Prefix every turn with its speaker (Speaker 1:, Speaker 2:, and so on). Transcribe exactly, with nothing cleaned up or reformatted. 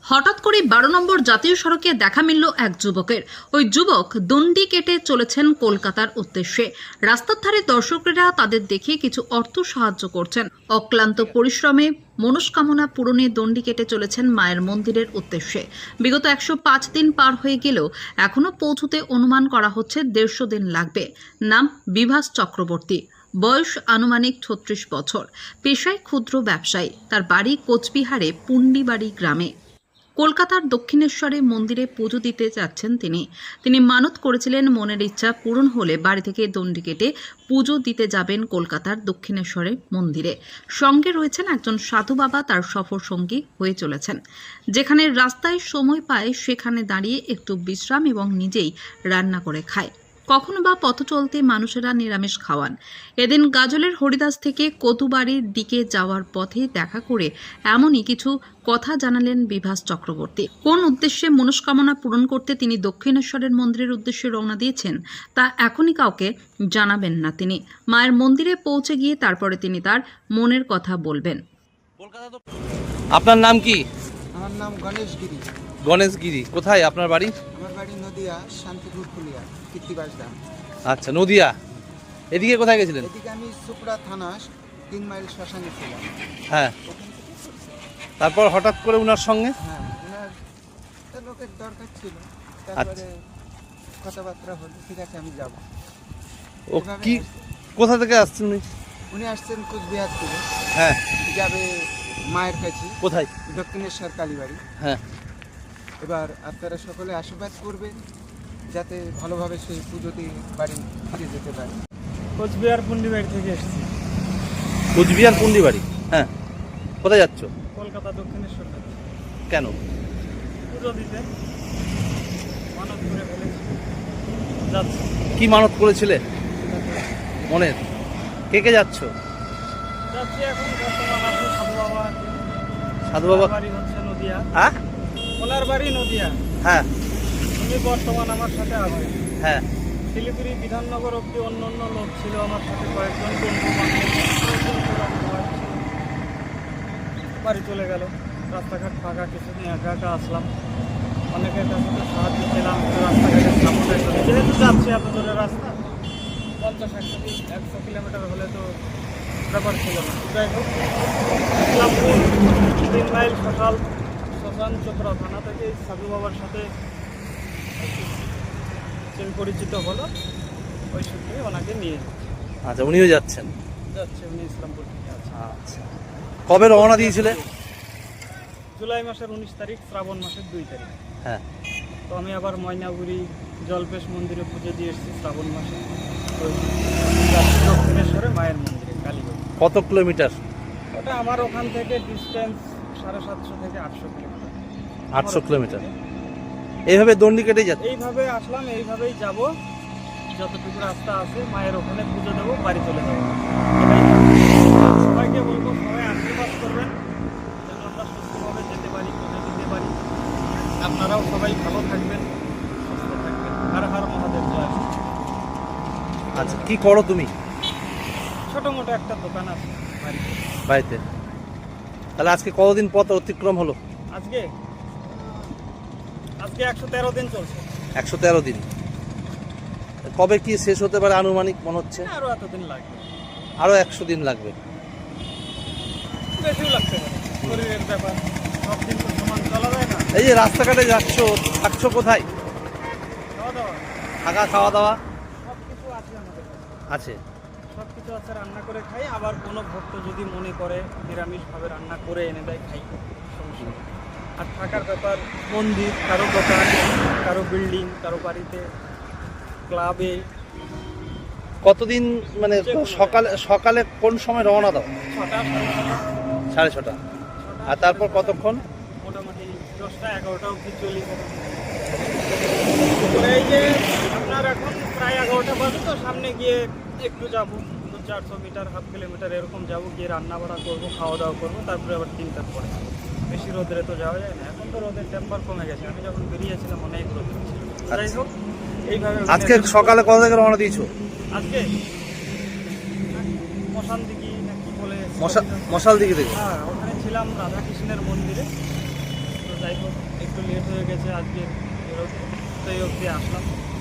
Speaker 1: হঠাৎ করে বারো নম্বর জাতীয় সড়কে দেখা মিলল এক যুবকের। ওই যুবক দণ্ডি কেটে চলেছেন কলকাতার উদ্দেশ্যে। রাস্তার ধারে দর্শকেরা তাদের দেখে কিছু অর্থ সাহায্য করছেন। অক্লান্ত পরিশ্রমে মনস্কামনা পূরণে দণ্ডি কেটে চলেছেন মায়ের মন্দিরের উদ্দেশ্যে। বিগত একশো পাঁচ দিন পার হয়ে গেলেও এখনো পৌঁছতে অনুমান করা হচ্ছে দেড়শো দিন লাগবে। নাম বিভাস চক্রবর্তী, বয়স আনুমানিক ছত্রিশ বছর, পেশায় ক্ষুদ্র ব্যবসায়ী। তার বাড়ি কোচবিহারে পুন্ডিবাড়ি গ্রামে। কলকাতার দক্ষিণেশ্বরে মন্দিরে পুজো দিতে যাচ্ছেন তিনি। তিনি মানত করেছিলেন মনের ইচ্ছা পূরণ হলে বাড়ি থেকে দণ্ডি কেটে পুজো দিতে যাবেন কলকাতার দক্ষিণেশ্বরে মন্দিরে। সঙ্গে রয়েছেন একজন সাধু বাবা, তার সফর সঙ্গী হয়ে চলেছেন। যেখানে রাস্তায় সময় পায় সেখানে দাঁড়িয়ে একটু বিশ্রাম এবং নিজেই রান্না করে খায়। কখনো বা পথ চলতে মানুষেরা নিরামিষ খাওয়ান। এদিন গাজলের হরিদাস থেকে কতুবাড়ির দিকে যাওয়ার পথে দেখা করে এমনই কিছু কথা জানালেন বিভাস চক্রবর্তী। কোন উদ্দেশ্যে মনস্কামনা পূরণ করতে তিনি দক্ষিণেশ্বরের মন্দিরের উদ্দেশ্যে রওনা দিয়েছেন তা এখনই কাউকে জানাবেন না তিনি। মায়ের মন্দিরে পৌঁছে গিয়ে তারপরে তিনি তার মনের কথা বলবেন।
Speaker 2: আপনার নাম কি?
Speaker 3: আমার নাম গণেশ গিরি।
Speaker 2: গণেশ গিরি। কোথায় আপনার বাড়ি?
Speaker 3: আমার বাড়ি নদিয়া, শান্তিপুর ফুলিয়া, কীর্তিবাস দাম।
Speaker 2: আচ্ছা, নদিয়া। এদিকে কোথায় গেছিলেন?
Speaker 3: এদিকে আমি সুপড়া থানা তিন মাইল শ্মশানে ছিলাম।
Speaker 2: হ্যাঁ,
Speaker 3: ওখান থেকে করছি।
Speaker 2: তারপর হঠাৎ করে উনার সঙ্গে?
Speaker 3: হ্যাঁ, ওনার একটা লোকের দরকার ছিল, তারপরে কথাবার্তা হলো, ঠিক আছে আমি যাব।
Speaker 2: ও
Speaker 3: এভাবে
Speaker 2: কি,
Speaker 3: আসছে।
Speaker 2: কোথা থেকে আসছেন উনি?
Speaker 3: উনি আসছেন কোচবিহার থেকে,
Speaker 2: হ্যাঁ।
Speaker 3: যাবে মায়ের কাছে,
Speaker 2: কোথায়?
Speaker 3: দক্ষিণেশ্বর কালীবাড়ি।
Speaker 2: হ্যাঁ।
Speaker 3: এবার আপনারা সকলে আশীর্বাদ করবেন যাতে ভালোভাবে সেই পুজোতে বাড়ি ফিরে যেতে পারে।
Speaker 4: কোচবিহার পুন্ডিবাড়ি থেকে এসেছি।
Speaker 2: কোচবিহার পুন্ডিবাড়ি। হ্যাঁ। কোথায় যাচ্ছ?
Speaker 4: কলকাতা দক্ষিণেশ্বর থেকে।
Speaker 2: কেন?
Speaker 4: পুজো দিতে মানত করে ফেলেছি, যাচ্ছি।
Speaker 2: কি মানত করেছিলে মনের? কে কে যাচ্ছ?
Speaker 4: যাচ্ছি এখন বর্তমান আছে সাধু বাবা।
Speaker 2: সাধু বাবা।
Speaker 4: ওনার বাড়ি হচ্ছে নদিয়া।
Speaker 2: হ্যাঁ
Speaker 4: ওনার বাড়ি নদিয়া।
Speaker 2: হ্যাঁ
Speaker 4: উনি বর্তমান আমার সাথে আছে।
Speaker 2: হ্যাঁ।
Speaker 4: শিলিগুড়ি বিধাননগর অব্দি অন্য অন্য লোক ছিল আমার সাথে, কয়েকজন বন্ধু বান্ধব। বাড়ি চলে গেল, রাস্তাঘাট ফাঁকা, কিছুদিন একা একা আসলাম। অনেকের কাছে তো সাহায্য পেলাম, রাস্তাঘাটের সামনে যেহেতু যাচ্ছি এত দূরে রাস্তা, পঞ্চাশ একশো একশো কিলোমিটার হলে তো ব্যাপার ছিল না। যাই হোক, ইসলামপুর তিন মাইল শ্মশান শ্মশান চোপড়া থানা থেকে সাধু বাবার সাথে চেন পরিচিত হলো, ওই সূত্রে ওনাকে নিয়ে
Speaker 2: আচ্ছা, উনিও যাচ্ছেন?
Speaker 4: যাচ্ছে, উনি ইসলামপুর থেকে আছে।
Speaker 2: আচ্ছা, কবে রওনা দিয়েছিলে?
Speaker 4: জুলাই মাসের উনিশ তারিখ, শ্রাবণ মাসের দুই তারিখ।
Speaker 2: হ্যাঁ।
Speaker 4: তো আমি আবার ময়নাগুড়ি জলপেশ মন্দিরে পুজো দিয়ে এসেছি শ্রাবণ মাসে। তো যাচ্ছি দক্ষিণেশ্বরে মায়ের মন্দিরে কালীবাড়ি।
Speaker 2: কত কিলোমিটার?
Speaker 4: ওটা আমার ওখান থেকে ডিস্টেন্স সাড়ে সাতশো থেকে আটশো কিলোমিটার।
Speaker 2: আটশো কিলোমিটার। এইভাবে দণ্ডি কেটে যাচ্ছে?
Speaker 4: এইভাবে আসলাম, এইভাবেই যাব, যতটুকু রাস্তা আছে মায়ের ওখানে পুজো দেবো, বাড়ি চলে যাবো। এটাই সবাইকে বলবো, সবাই আশীর্বাদ করবেন যেন আমরা সুস্থভাবে যেতে পারি, পুজো দিতে পারি। আপনারাও সবাই ভালো থাকবেন, সুস্থ থাকবেন। হর হর মহাদেব জয়।
Speaker 2: আচ্ছা, কি করো তুমি?
Speaker 4: ছোটো মোটো একটা দোকান আছে বাড়িতে।
Speaker 2: বাড়িতে? তাহলে আজকে কতদিন পথ অতিক্রম হলো?
Speaker 4: আজকে আজকে একশো তেরো দিন চলছে।
Speaker 2: একশো তেরো দিন। কবে কি শেষ হতে পারে আনুমানিক মনে হচ্ছে?
Speaker 4: আরও এতদিন লাগবে,
Speaker 2: আরো একশো দিন লাগবে।
Speaker 4: বেশিও লাগতে পারে, শরীরের ব্যাপার, সব দিন তো সমান চলা যায় না।
Speaker 2: এই যে রাস্তাঘাটে যাচ্ছ, থাকছো কোথায়?
Speaker 4: খাওয়া দাওয়া
Speaker 2: থাকা, খাওয়া দাওয়া
Speaker 4: সব কিছু আছে আমাদের কাছে।
Speaker 2: আছে?
Speaker 4: সব কিছু আছে, রান্না করে খাই। আবার কোনো ভক্ত যদি মনে করে নিরামিষভাবে রান্না করে এনে দেয়, খাই, সমস্যা নেই। আর থাকার ব্যাপার, মন্দির, কারো দোকান, কারো বিল্ডিং, কারো বাড়িতে, ক্লাবে।
Speaker 2: কতদিন মানে সকালে সকালে কোন সময় রওনা দাও?
Speaker 4: ছটা সাড়ে ছটা
Speaker 2: সাড়ে ছটা। আর তারপর কতক্ষণ?
Speaker 4: মোটামুটি দশটা এগারোটা অবধি চলি। এই যে আপনার এখন প্রায় এগারোটা বাজে, তো সামনে গিয়ে একটু যাবো, দু চারশো মিটার, হাফ কিলোমিটার এরকম যাবো, গিয়ে রান্না বাড়া করবো, খাওয়া দাওয়া করবো, তারপরে আবার তিনটার পরে। বেশি রোদে তো যাওয়া যায় না, এখন তো রোদের টেম্পার কমে গেছে। আমি যখন বেরিয়েছিলাম অনেক রোদ ছিল। যাই হোক, এইভাবে
Speaker 2: আজকে সকালে কত থেকে রওনা দিয়েছো?
Speaker 4: আজকে মশান দিঘি না কি বলে,
Speaker 2: মশাল দিকে থেকে?
Speaker 4: হ্যাঁ, ওখানে ছিলাম রাধাকৃষ্ণের মন্দিরে। তো যাই হোক একটু লেট হয়ে গেছে আজকে বেরোতে, তাই অবধি আসলাম।